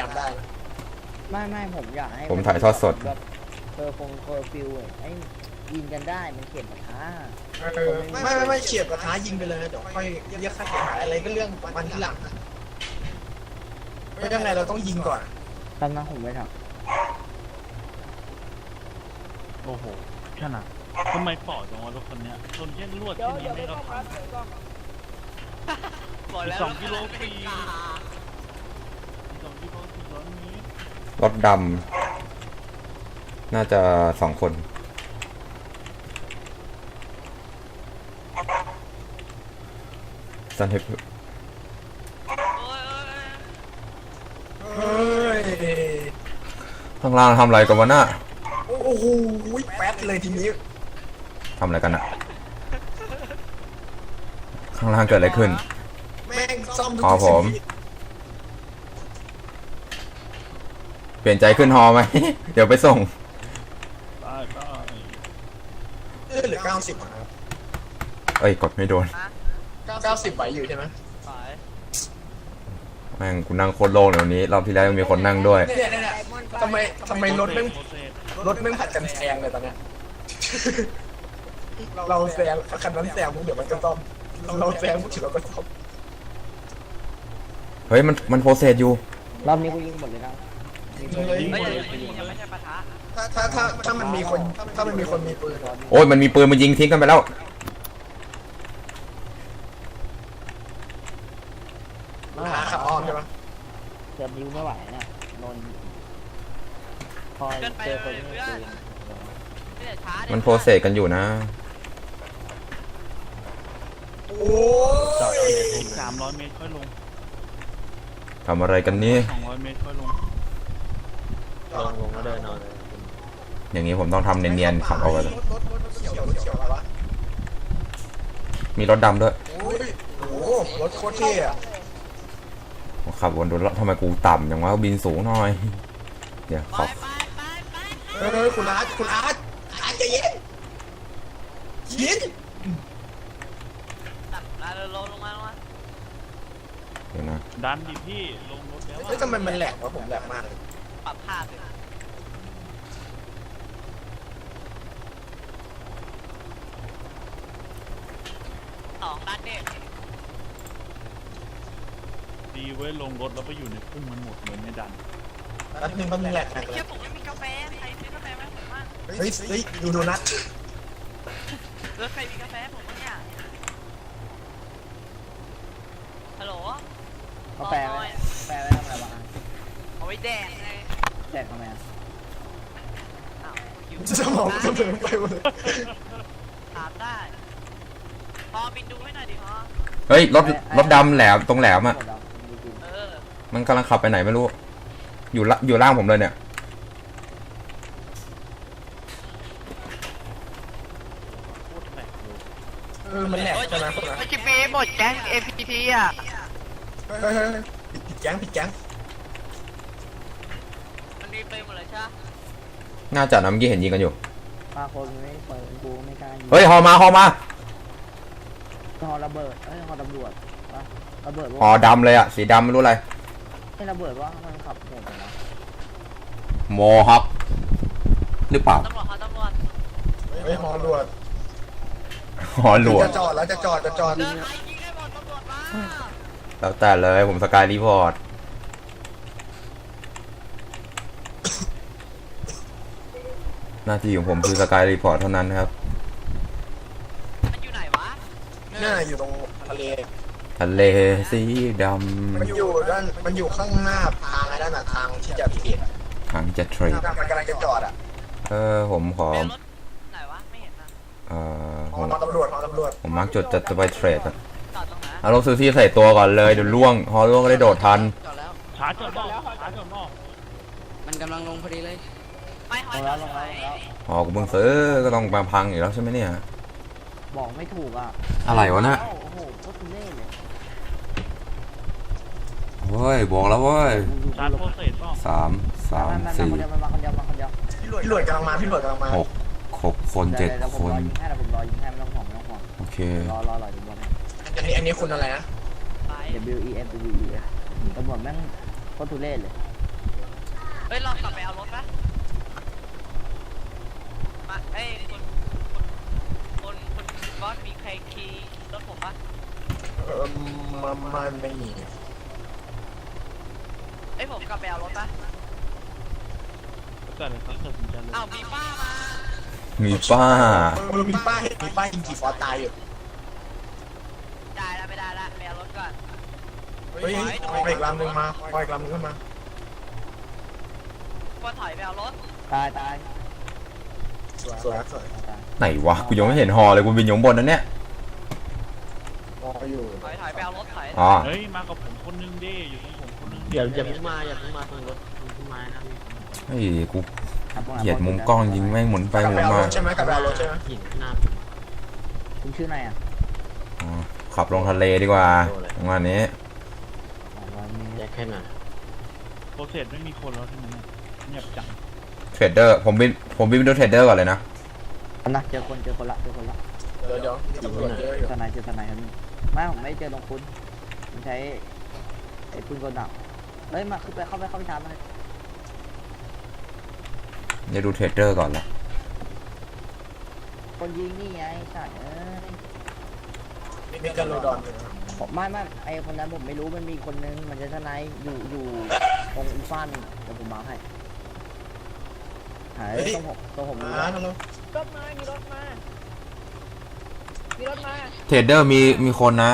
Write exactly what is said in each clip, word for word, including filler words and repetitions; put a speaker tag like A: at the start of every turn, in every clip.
A: มได้
B: ไม่ไม่ผมอยากให้
C: ผมถ่ายทอดสด
B: แบบเคอร์ฟงเคอร์ฟิวให้ยิงกันได้มันเข็มช้า
A: ไม่ไม่ไม่เฉียบกระท้ายิงไปเลยเดี๋ยวค่อยเรียกค่าเสียหายอะไรก็เรื่องมันที่หลังไม่ยังไงเราต้องยิงก่อน
B: ตอนนั้นผมไม่ท
D: โอ้โหขนาดทำไมปอดจังวะรถคนเนี้ยชนแค่ลวดแค่นี้ไม่ก็พังสองกิโลฟรีสองกิโลฟรีร้อยเมตร
C: รถดำน่าจะสองคนสันเทปข้างล่างทำอะไรกันวะน่ะ
A: โอ้โหแป๊ดเลยทีนี้
C: ทำอะไรกันอะข้างล่างเกิดอะไรขึ้น
A: แม่งซ่อมทุก
C: ทีผมเปลี่ยนใจขึ้นฮอไหม เดี๋ยวไปส่ง
D: ได้ได้
A: เออเหลือเก้าสิบครับ
C: เอ้ยกดไม่โดน
A: เก้าสิบไหวอยู่ใช่ไหม
C: แม่งกูนั่งโคตรโล่งเลยวันนี้รอบที่แล้วมีคนนั่งด้วย
A: เนี่ยเนี่ยทำไมทำไมรถแม่งรถแม่งผัดกันแซงเลยตอนเนี้ยเราแซงคันนั้นแซงพวกเดี๋ยวมันก็ซ่อมเราแซงพวกเดี๋ยวเราก็ซ่อม
C: เฮ้ยมันมันโปรเซสอยู่
B: รอบนี้กูยิงหมดเลยนะ
A: ไม่ใช่ปะทะถ้าถ้าถ้าถ้ามันมีคนถ้ามันมีคนมีปืน
C: โอ้ยมันมีปืนมันยิงทิ้งกันไปแล้ว
A: หาขับอ้อมใช่ไหม
B: เกือบนิ้วไม่ไหวนะนนคอยเจอคนไม่ปืน
C: มันโปรเซสกันอยู่นะ
A: โอ้
D: จอดสามร้อยเมตรค่อยลง
C: ทำอะไรกันนี่
D: สองร้อยเมตรค่อยลง
B: ลงลงแล้วเดินนอนเลย
C: อย่างนี้ผมต้องทำเนียนๆขับเอาไว้มีรถดำด้วย
A: โอ้โหรถโคตรเท่อะ
C: ขับวนดูแล้วทำไมกูต่ำอย่างว่าบินสูงหน่อยเดี๋ยวขอบ
A: เออคุณอาร์ตคุณอาร์ตอาร์ตใจเย็นยิน
D: ลงลงมาลงมา
C: เดี๋ยวนะ
D: ดันดิพี่ลงรถแล้ว
A: เฮ้ยทำไมมันแหลกวะผมแหลกมากเลย
D: ปรับภาพเลยสองดันเด็กดีเว้ยลงรถแล้วไปอยู่ในพุ่งมันหมดเลยไม่ดัน
A: นัดหนึ่งมันแหลกหนักเลย
D: เชื่อผมไม่มีกาแฟใครซื้อกาแฟไหมผมว่า
A: เฮ้ยเฮ้ยดูโดนัท
D: แล้วใครมีกาแฟผมวะเนี่ยฮัลโหล
B: กาแฟไหมกาแฟไว้ทำอะไรวะ
D: เอาไว้แดกไง
B: แดกทำไมอ่ะ
A: จะมองจะเดินไปหมดเลย
D: ถามได้พอบินดูให้หน่อยดิพอ
C: เฮ้ยรถรถดำแหลมตรงแหลมอ่ะมันกำลังขับไปไหนไม่รู้อยู่ละอยู่ล่างผมเลยเนี่ย
A: เออมันแหลกใช่ไหมพวกนั้น
D: มันจะมีหมดแก๊ง เอ พี ที อ่ะ
A: เฮ้ยผิดแก๊งผิดแก๊ง
D: มันมีไปหมดเลยใช่
C: น่าจะนะเมื่อกี้เห็นยิงกันอยู่
B: บางคนไม่เปิดกูไม่กล้ายิง
C: เฮ้ยฮอมาฮอมา
B: ฮอระเบิดเอ้ยฮอตำรวจระเบิด
C: ฮอดำเลยอ่ะสีดำไม่รู้อะไร
B: ไม่ระเบิดว่ามันขับโหดนะ
C: โมฮอคหรือเปล่า
D: ตำรวจตำรวจ
A: เฮ้ยฮอรวด
C: ฮอรวด
A: จะจอดแล้วจะจอดจะจอด
C: แล้วแต่เลยผมสกายรีพอร์ตหน้าที่ของผมคือสกายรีพอร์ตเท่านั้นครับ
D: มันอยู่ไหนวะ
A: น่าอยู่ตรงทะเล
C: ทะเลสีดำ
A: มันอยู่ด้านมันอยู่ข้างหน้าทางอะไรด้านหน้าทางที่จะเทรด
C: ทางจะเทรด
A: มันกำลังจะจอดอ่ะ
C: เออผมขอ
D: ไหนวะไม่เห็นอ่ะ
C: เออ
A: ผมตำรวจตำรวจ
C: ผมมักจุดจะจะไปเทรดอ่ะเอาลงซื้อที่ใส่ตัวก่อนเลยเดี๋ยวล่วงฮอล่วงก็ได้โดดทัน
D: ช้าจดนอกช้าจดนอก
B: มันกำลังลงพอดีเลย
D: ไม่ฮอลงแล้ว
C: ฮอกูเพิ่งซื้อก็ต้องมาพังอีกแล้วใช่ไหมเนี่ย
B: บอกไม่ถูกอ่ะ
C: อะไรวะน่ะ
B: โอ้โหโคตรเล่เลย
C: เฮ้ยบอกแล้วเว้ยสามสามสี่
A: พี่หลวดกำลังมาพี่หลวดกำลังมา
C: หกหกคนเจ็ดคนโอเค
B: รอรอรออยู่บน
A: อันนี้อันนี้คุณอะไรนะ
B: W E F W E ตำรวจแม่งโคตรทุเรศเลย
E: เฮ้ยเรากลับไปเอารถปะมาเอ้ยคนคนคนคนบอสมีใครขี่รถผมปะ
A: เออมามาไม่มี
E: เอ้ยผมกลับไปเอารถปะ
D: เกิดอะไรครับเกิดสินใจเลย
E: อ้าวมีป้ามา
C: มีป้า
A: เออมีป้ายมีป้ายยิงกี่ฟอสตายอยู่
E: ได้แล้วไม่ได้แล้วไปเอารถก่อน
A: เฮ้ยปล่อยอีกลำหนึ่งมาปล่อยอีกลำหนึ่งขึ้นมา
E: ก็ถอยไปเอารถ
B: ตายตาย
A: สวยสวยสวย
B: ตาย
C: ไหนวะกูยังไม่เห็นฮอเลยกูบินอยู่ข้างบนนั่นเนี่ย
A: รออยู่
E: ถอยถอยไปเอารถถอย
C: อ๋อ
D: เฮ้ยมากับผมคนนึงดิอยู่กับผมคนนึง
F: เดี๋ยวอย่าเพิ่งมาอย่าเพิ่งมาตรงรถต้นไม้นะ
C: เฮ้ยกู
B: ครับพวกเรา
C: เหยียดมุมกล้องยิงแม่งหมุนไป
A: กลับ
C: หมุ
A: ไป
C: น
A: เอา
C: มาร
A: ถใช่ไหมกลับไปเอารถใช่ไหม
F: หินหน้า
B: คุณชื่ออะไรอ่ะ
C: อ๋อขับลงทะเลดีกว่าประมาณนี้
B: สองร้อยเมตร
F: แยกแค่ไหน
D: โปรเซสไม่มีคนแล้วใช่ไหมเนี่ยเงียบจัง
C: เทรดเดอร์ผมบินผมบินไปดูเทรดเดอร์ก่อนเลยนะ
B: เอานะเจอคนเจอคนละเจอคนละ
A: เดี๋ยวเดี๋ยวมีตำรวจเยอะอยู่
B: ทนายเจอทนายครับนี่ไม่ผมไม่เจอตรงคุณมันใช้ไอ้ปืนกลดักเฮ้ยมาขึ้นไปเข้าไปเข้าไปชาร์จมัน
C: เดี๋ยวดูเทรดเดอร์ก่อนละ
B: คนยิงนี่ไงใช่เอ้ย
A: มีการโลดอนอยู่นะ
B: ผมไม่ไม่ไอคนนั้นผมไม่รู้มันมีคนนึงมันจะทนายอยู่อยู่ตรงอีฟ้านเดี๋ยวผมมาให้หายตรงผมตรงผมรู้
A: อ่า
B: แล้ว
A: ฮัลโหล
E: รถมามีรถมามีรถมา
C: เทรดเดอร์มีมีคนนะ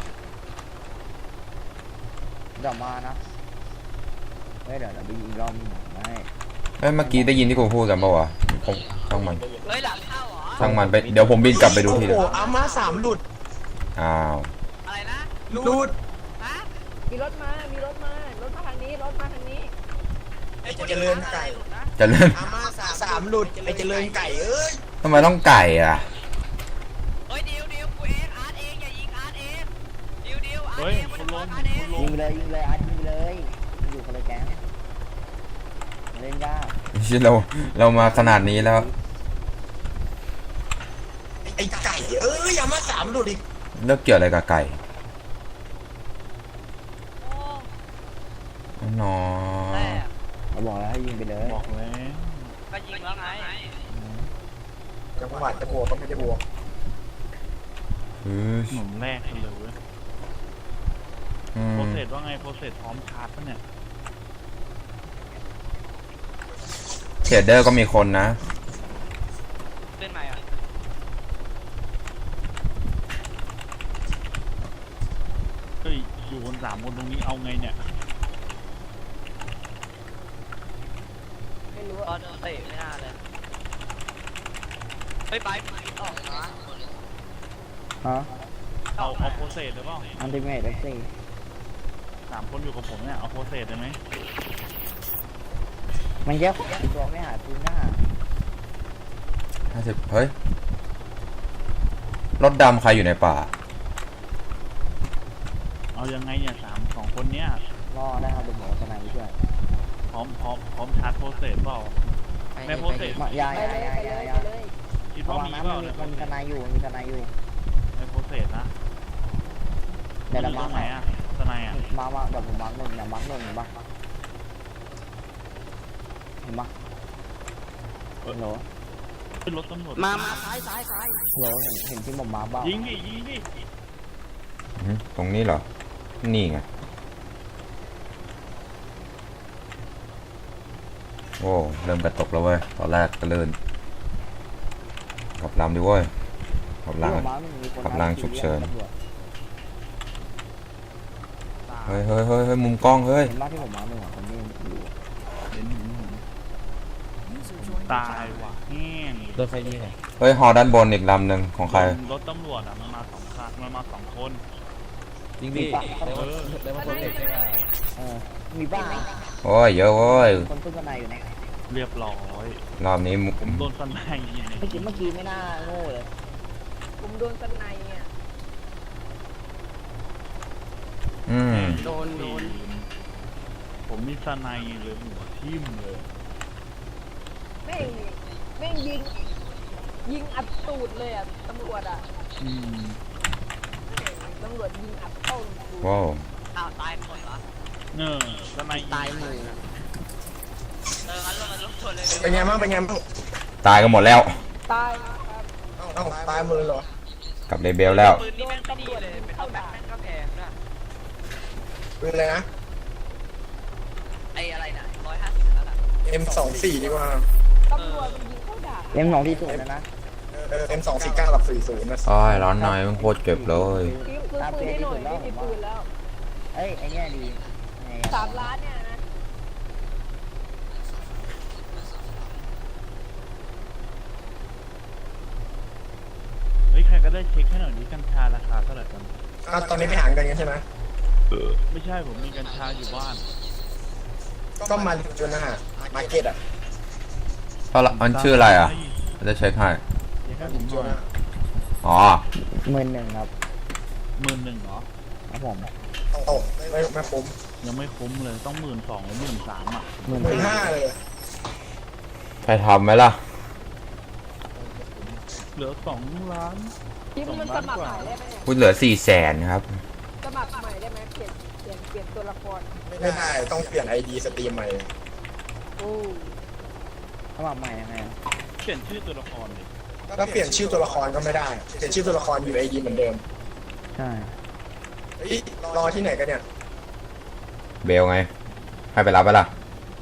B: เดี๋ยวมานะเฮ้ยเดี๋ยวเดี๋ยวไปยิงอีกรอบนึงไม่
C: เอ้ยเมื่อกี้ได้ยินที่กูพูดกันปะวะผมช่างมัน
E: เฮ้ยหลังเข้าเหรอ
C: ช่างมันไปเดี๋ยวผมบินกลับไปดู
A: โอ้
C: ที
A: โห
C: เดียว
A: อาม่าสามหลุด
C: อ้าว
E: อะไรนะ
A: หลุด
E: ฮะ
G: มีรถมา มีรถมา รถมาทางนี้ รถมาทางนี้
A: ไอ้เจริญไก่
C: เจะเล่น
A: อาม่าสามสามหลุดไอ้เจริญไก่เอ้ย
C: ทำไมต้องไก่อ่ะ
E: เฮ้ยดิวดิวกูเองอาร์ตเองอย่ายิงอาร์ตเองดิวดิวอาร์ต
D: เฮ้ย
E: เอง
D: ค
E: มัน
D: นล
E: อาร์
D: ง
E: ตเอง
D: คนล
B: ยิ
D: ง
B: งไปเลยยิงเลยอาร์ตยิงไปเลยมันอยู่คนละแก๊งมันเล่นยาก
C: ชิเราเรามาขนาดนี้แล้ว
A: ไอ้ไก่เอ้ยอาม่าสามหลุดอีก
C: เลิกเกี่ยวอะไรกับไก่
E: โอ้
C: นอ
E: แต่
B: เราบอกแล้วให้ยิงไปเลย
D: บอกแล้ว
E: ก็ยิงแล้วไง
A: จังหวะจะบวกก็ไม่ได้บวก
C: เฮ้ย
D: หนุนแรกกันเลยเว้ย
C: อื
D: โปร
C: ม
D: เซสว่าไงโปรเซสพร้อมชาร์จปะเนี่ย
C: เทรดเดอร์ก็มีคนนะ
E: ขึ้นใหม่อ่ะ
D: เฮ้ยอยู่คนสามคนตรงนี้เอาไงเนี่ย
G: ไม่รู้
E: ก็โดนเตะไม่น่าเลยเฮ้ยไปมึงออกนะ
B: ฮะ
D: เอาเอาโปรเซสหรือเปล่า
B: อันติเมทเอ็กซี่
D: สามคนอยู่กับผมเนี่ยเอาโปรเซสได้ไหม
B: มันแยกตัวไม่หาปืนหน้า
C: ห้าสิบเฮ้ย รถดำใครอยู่ในป่า
D: เอายังไงเนี่ยสามสองคนเนี้ย
B: รอได้ครับเดี๋ยวผมเอาทนายไปช่วย
D: พร้อมพร้อมพร้อมชาร์จโปรเซสเปล่าแม่โปรเซส
B: มายา
G: ไป
B: ยา
G: เลย
B: ยา
G: ไปเลย
B: ยา
G: ไปเลย
D: คิด
B: ระ
D: ว่า
B: วัง
D: มี
B: นะ
D: เป
B: มั
D: ล่าน
B: มี
D: ในโปร
B: มันมี
D: เซ
B: ท
D: ส
B: นายอยู่มีทนายอยู่
D: ในโปรเซสนะ
B: เดี๋ยวเรา
D: ต
B: มา
D: รงไหนอะทนายอะ
B: มามาเดี๋ยวผมมาร์คหนึ่งเดี๋ยวมาร์คหนึ่งเห็นปะเห็นปะฮัลโหล
D: ขึ้นรถตำรวจ
E: มามาซ้ายซ้ายซ้าย
B: ฮัลโหลเห็นเห็นที่ผมมาร์คบ้าง
D: ยิงดิยิงดิ
C: อืมตรงนี้เหรอ นี่ไง โอ้เริ่มกระตกแล้วเว้ย ตอนแรกก็เลื่นกลับลำดิเว้ยกลับล
B: ที่ผมมาร์คหนึ่งมีคน
C: กำลังฉุกเฉิน
B: ตำรวจ
C: ำเฮ้ยเฮ้ยเฮ้ยเฮ้ยมุมกล้องเฮ้ย
B: เห็นปะที่ผมมาร์คหนึ่งอ่ะคนนี้อยู่
D: เห็นเห็นเห็นตายว่ะแห้ง
F: รถไฟนี่ไง
C: เฮ้ยฮอด้านบนอีกลำหนึ่งของใคร
D: รถตำรวจอะมันมาสองคันมันมาสองคน
F: จริงดิได้ว่าได้ว่าโปรเซสใช่ไหม
B: เออมีบ้าง
C: โอ้ยเยอะโว้ย
B: คนขึ้นทนายอยู่นะ
D: เรียบร้อย
C: รอบนี้มุ
D: ผมโดนสไนด์ยิง
B: เมื่อกี้เมื่อกี้ไม่น่าโง่เลย
G: ผมโดนสไนอ่ะ
C: อืม
D: โดนโดนผมมีสไนด์เลยหัวทิ่มเลย
G: แม่ง แม่งยิง ยิงอัดตูดเลยอ่ะ ตำรวจอ่ะ
D: อืม
G: ตำรวจยิงอัดเข้าตูด
C: ว้าว
E: อ้าวตายหมดเหรอ
D: เนอสไนด์
F: ตายหมู่
E: องั้นเรามาลงทุนเลย
A: เป็นไงบ้างเป็นไงบ้าง
C: ตายกันหมดแล้ว
G: ตายครับ
A: เอ้าตายหมดเลยเหรอ
C: กับเลเบลแล้ว
E: ปืนนี่แม่งไม่ดีเลยเป็นตัวแบ็คแม่งก็แพงด้วย
A: เป็นอะไรนะ
E: ไอ้อะไรนะร้อยห้าสิบนั่นแหละ
A: เอ็มสองสี่ดีกว่า
G: ตำรวจมันยิงเข้าด่า
B: เล่มสองที่สุดนะนะ
A: เออเอ็มสองสี่เก้ากับสี่ศูนย์นะ
C: อ้อยร้อนหน่อยมันโคตรเจ็บเลย
G: ซื้อปืนให้หน่อยไม่มีปืนแล้ว
B: เอ้ยไอ้เนี่ยดีไง
G: สามล้านเนี่ยนะ
D: เฮ้ยใครก็ได้เช็คให้หน่อยดิกัญชาราคาเท่าไหร่กัน
A: อ่ะตอนนี้ไปหากันกันใช่ไหม
D: ไม่ใช่ผมมีกัญชาอยู่บ้าน
A: ก็มาจนนะฮะมาร์เก็ตอ่ะ
C: เพราะละมันชื่ออะไรอ่ะจะเช็คให้
D: เช็คให้ผมห
A: จ
D: น่อน ย
A: นะ
C: อ๋อ
B: หมื่นหนึ่งครับ
D: หมื่นหนึ่งเหรอ
B: ครับผม
A: โอ้ไม่ไม่คุ้ม
D: ยังไม่คุ้มเลยต้องหมื่นสองหรือหมื่นสามอ่ะ
B: หมื่น
A: หมื่นห้าเลย
C: ใครทำไหมล่ะ
D: เหลือสองล้าน
G: ทีมมันสมัครใหม่ได้ไหมเนี่ย
C: พูดเหลือสี่แสนครับ
G: สมัครใหม่ได้ไหมเปลี่ยนเปลี่ยนเปลี่ยนตัวละคร
A: ไม่ได้ต้องเปลี่ยนไอดีสตรีมใหม่
G: โอ้
B: สมัครใหม่ยังไงอะ
D: เปลี่ยนชื่อตัวละครเลย
A: ก็เปลี่ยนชื่อตัวละครก็ไม่ได้ เปลี่ยนชื่อตัวละครอยู่ไอดีเหมือนเดิม
B: ใช่
A: เฮ้ยรอที่ไหนกันเนี่ย
C: เบลไง ให้ไปรับไปล่ะ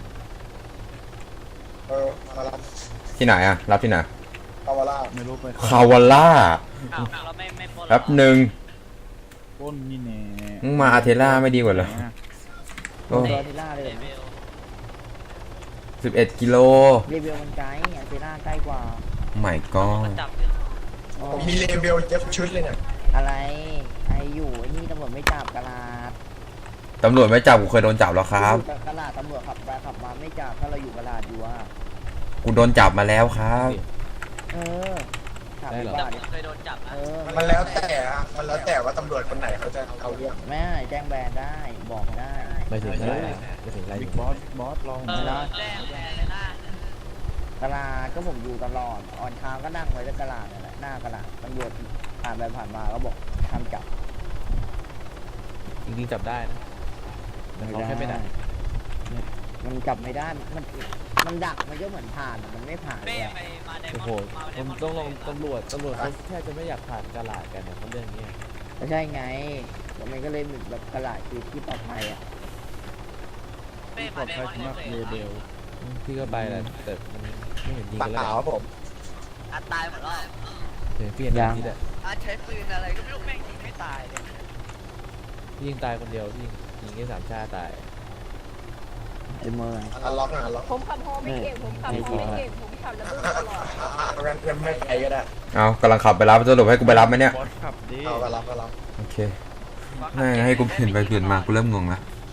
A: เออมารับ
C: ที่ไหนอ่ะ รับที่ไหน
A: คาวาร่า
D: ไม่รู้ไป
C: คาวาล่า
E: อ้าวเราไม่ไม่ปล้น
C: แป๊บหนึ่ง
D: ปล้นนี่แน่
C: มึงมาอาเทล่าไม่ดีกว่าเหรอ
D: ไหนอะ
C: โอ้
B: เบลทิล่าเลย
E: เล
B: นะ
E: เวล
C: สิบเอ็ดกิโล
B: รีวิวมันไกลอันเทล่าใกล้กว่า
C: ไม่ก็
E: มันจับเนี่ย
B: โอ้
A: ผมมีเลเบลเย็บชุดเลยเนี่ย
B: อะไรไออยู่ไอ้นี่ตำรวจไม่จับกระลาด
C: ตำรวจไม่จับกูเคยโดนจับแล้วครับ
B: อยู่กระลาดตำรวจขับไปขับมาไม่จับถ้าเราอยู่กระลาดอยู่อะ
C: กูโดนจับมาแล้วครับ
B: เออถาม
F: ได้เหรอ
B: ว่า
E: แต่ผ
B: ดิ
E: มเคยโดนจับนะ
B: เออ
A: มันแล้วแต่อะมันแล้วแต่ว่าตำรวจคนไหนเขาจะเอาเรื่อง
B: แม่แจ้งแบนได้บอกได้
F: ไม่ถึงอะไรไม่ถึงอะไร
D: บิ๊กบอสบอสลอง
E: เออแจ้งแทนเลยนะ
B: กระลาดก็ผมอยู่ตลอดออนทางก็นั่งไว้ที่กระลาดนั่นแหละหน้ากระลาดตำรวจผ่านไปผ่านมาก็บอกทำจับ
F: จริงๆจับได้นะแต่เขาแค่ไม่ได้
B: มันจับไม่ได้มันมันดักมันก็เหมือนผ่านอะมันไม่ผ่านเล
E: เป้
B: ยอะ
E: ไปมาได
F: โอ้
E: ม
F: โห
E: อนด์มาได
F: ผม
E: มอนด์
F: ต้องลองตำรวจตำรวจเขาแทบจะไม่อยากผ่านกาลาดกันเนี่ยเพราะเรื่องนี้
B: ไม่ใช่ไงแล้วมันก็เลยเหมือนแบบกระลาดคือที่ปลอดภัยอ่ะ
E: เป้
D: ปล
E: มา
D: อด
E: ได
D: ภัย
E: มอนด์
D: สำหรับ
E: เคย
D: เลเบล
F: พี่ก็ไปแหละแต่มันไม่เห็นยิง
A: ปา
F: กันแล้ว
A: เปล่าครับผม
E: อัดตายหมดแล้ว
F: เห็นพี่เห็นแบบนี้แหละ
E: อัดใช้ปืนอะไรก็ไม่รู้แม่งยิงไม่ตายเลย
F: พี่ยิงตายคนเดียวพี่ยิงแค่สามชาติตาย
B: ไอ้เมอร์
A: อันล็อกนะอันล็อก
G: ผมขับฮอไม่เก่งผมขับฮอไม่เก่งผมขับระเบิดตลอด
A: อ่ะอ่ะงั้นงั้นไม่ไปก็ได้
C: เอากำลังขับไปรับสรุปให้กูไปรับไหมเนี่ย
D: บอสขับดิ
A: เอาก็รับก็รับ
C: โอเคแม่งให้กูเปลี่ยนไปเปลี่ยนมากูเริ่มงงละ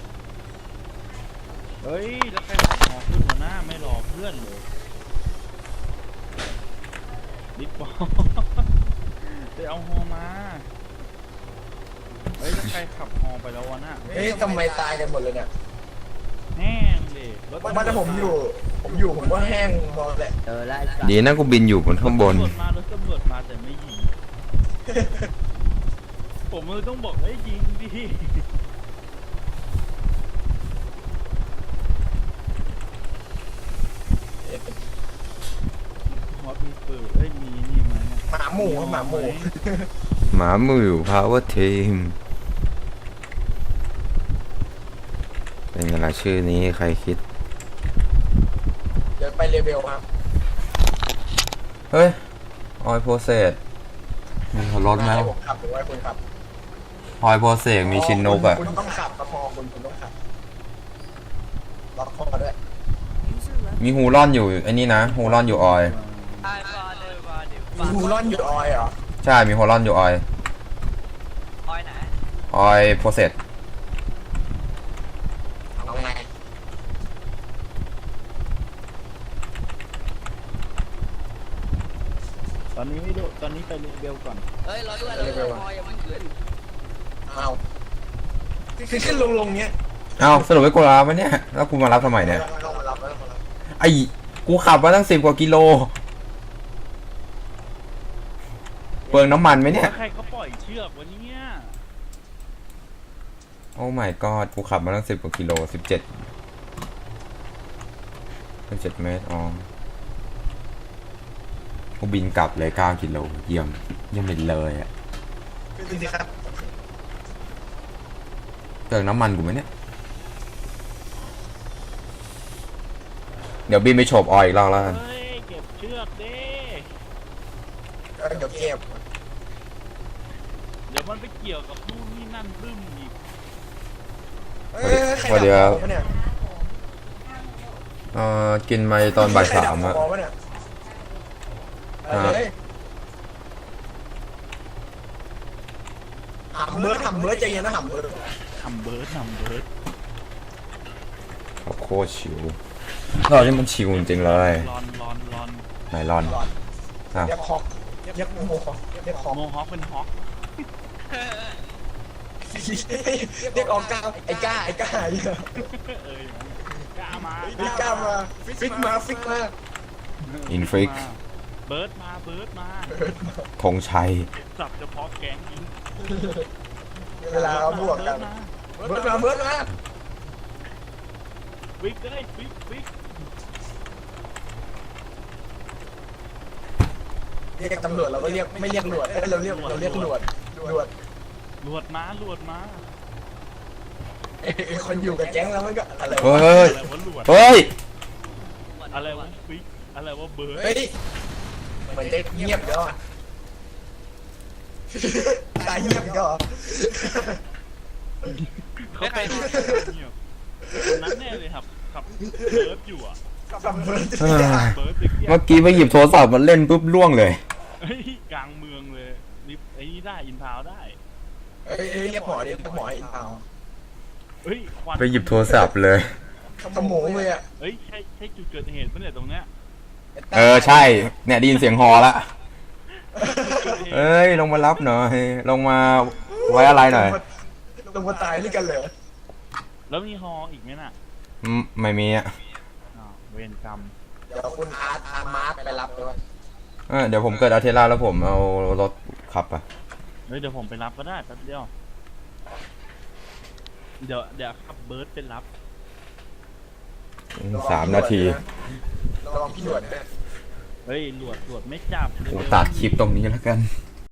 D: เฮ้ยแล้วใครขับหอขึ้นหัวหน้าไม่รอเพื่อนเลยบิ๊กบอสไปเอาฮอมาเฮ้ยแล้วใครขับฮอไปแล้ววะน่ะ
A: เฮ้ยทำไมตายกันหมดเลยเนี่ย
D: แห้งเลยรถ
A: บ้านถ้าผมอยู่ ผมอยู่ผมก็แห้งหมดแหละ
B: เออแล้วไอ้สัตว์
C: ดีนะกูบินอยู่บนข้างบน
D: ตำรวจมารถตำรวจมาแต่ไม่ยิง ผมเลยต้องบอกให้ยิงดิฮอตมีปืนเอ้ยมีนี่ไหมเนี่ย
A: หมาหมูครับหมาหมู
C: หมาหมู่พาวเวอร์ทีมเป็นไงล่ะชื่อนี้ใครคิด
A: เดี๋ยวไปเลเวลครับ
C: เฮ้ย ออยโพเซสมีหัวรถไหม
A: ให้ผมขับหรือว่าให้คุณขับ
C: ออยโพเซสมีชินนกอ่ะ
A: คุณต้องขับครับพอคุณคุณต้องขับล็อกคอด้วย
C: มีฮูร่อนอยู่ไอ้นี่นะฮูร่อนอยู่ออย
E: ไอ้บาเดอร์บาเดอร์
A: มีฮูรอนอยู่ออยเหรอ
C: ใช่ มีฮูร่อนอยู่ออย
E: ออยไหน
C: ออยโพเซส
A: เอาไง
D: ตอนนี้ไม่ดูตอนนี้ไปเบลก่อน
E: เฮ้ยรอด้วยรอด้วยพออย่าเพิ่งขึ้น
A: เอาคือขึ้นลงลงเนี้ย
C: เอ้าสรุปไม่กูรับไหมเนี่ย แล้วกูมารับทำไมเนี่ย
A: ต้องมารับแล้วต้องมารับ
C: ไอ้กูขับมาตั้งสิบกว่ากิโลเปลืองน้ำมันไหมเนี่ย
D: แล้วใครเขาปล่อยเชือกวะเนี่ย
C: โอ้ my god กูขับมาตั้งสิบกว่ากิโลสิบเจ็ดเป็นเจ็ดเมตรอ๋อกูบินกลับเลยเก้ากิโลเยี่ยมเยี่ยมเป็นเลยอ่ะ
A: ขึ้นสิครับ
C: เติมน้ำมันกูไหมเนี่ยเดี๋ยวบินไปโฉบออยอีกรอบแล้วกัน
D: เฮ้ยเก็บเชือกดิ
A: ก็เดี๋ยวเก็บ
D: เดี๋ยวมันไปเกี่ยวกับนู่นนี่นั่นรึมอีก
A: เอ้ยใครดับคอเนี่ย
C: เอ่อกินไปตอนบ่ายสามอะ
A: ใครดับคอวะเนี่ยเอาเลยหำเบิร์ดหำเบิร์ดใจเย็นนะหำเบิร์ด
D: ทำเบิร์ดทำเบิร์ด
C: โคตรชิวเราที่มันชิวจริงๆเลย
D: รอนรอนรอน
C: ไหนรอน
A: หลอด
C: อ่ะ
A: เรียกฮอกเรียกโมฮอกเรียกฮอก
D: โมฮอคเป็นฮอค
A: เรียกออกก้าไอ้ก้าไอ้ก้าไอ้ก้า
D: เอ้ยกล้ามา
A: ไอ้ก้ามาฟิกมาฟิกมา
C: อินฟิก
D: เบิร์ดมาเบิร์ดมา
C: ธงชัย
D: สับเฉพาะแก๊งยิง
A: เวลาเราบวกกัน
D: เบิร์ดมา
A: เบิร์ดมาเบิร์ดมา
D: วิกเลยวิกวิก
A: เรียกตำรวจเราก็เรียกไม่เรียกหลวดเอ้ยเราเรียกเราเรียกหลวดหลวด
D: ลวดมาลวดมา
A: ไอ้คนอยู่กับแก๊งแล้วมันก็อะไร
C: เฮ้
A: วะ
C: ย
D: อะไรวะลวด
C: เฮ้ย
D: อะไรวะวิกอะไรวะเบิร์ด
A: เฮ้ยเหมือนจะเงียบเดี๋ยวอะตายเงียบเดี๋ยวอะ
D: เขาไปเงียบคนนั้นแน่เลยครับขับเบิร์ดอยู่อ่ะ
A: กับเบิร์ด
C: เฮ้ย
D: เบิร์ดไปเกี่ยว
C: เมื่อกี้ไปหยิบโทรศัพท์มาเล่นปุ๊บล่วงเลย
D: เฮ้ยกลางเมืองเลยนี่ไอ้นี่ได้อินทาวได้
A: เอ้ยเอ้ยเรียกหมอดิเรียกหมออินเตา
D: เฮ้ยควัน
C: ไปหยิบโทรศัพท์เลย
A: ขโมยเลยอ่ะ
D: เฮ้ยใช่ใช่จุดเกิดเหตุปะเนี่ยตรงเนี้ย
C: เออใช่ เนี่ยได้ยินเสียงฮอละเอ้ยลงมารับหน่อย ลงมาไว้อะไรหน่อย
A: ลงมาตายด้วยกันเลย
D: แล้วมีฮออีกไหมน่ะ
C: อืมไม่มีอ่ะ
D: อ้าวเวรกรรม
A: เดี๋ยวคุณอาร์ตอาร์มาร์คไปรับด้วย
C: เออเดี๋ยวผมเกิดอาเทล่าแล้วผมเอารถขับอ่ะ
D: เฮ้ยเดี๋ยวผมไปรับก็ได้แป๊บเดียวเดี๋ยวเดี๋ยวขับเบิร์ดไปรับ
C: สามนาที
A: ระวังพี่หลวดด้วย
D: เฮ้ยหลวดหลวดไม่จับ
C: กูตัดคลิปตรงนี้แล้วกัน
D: เ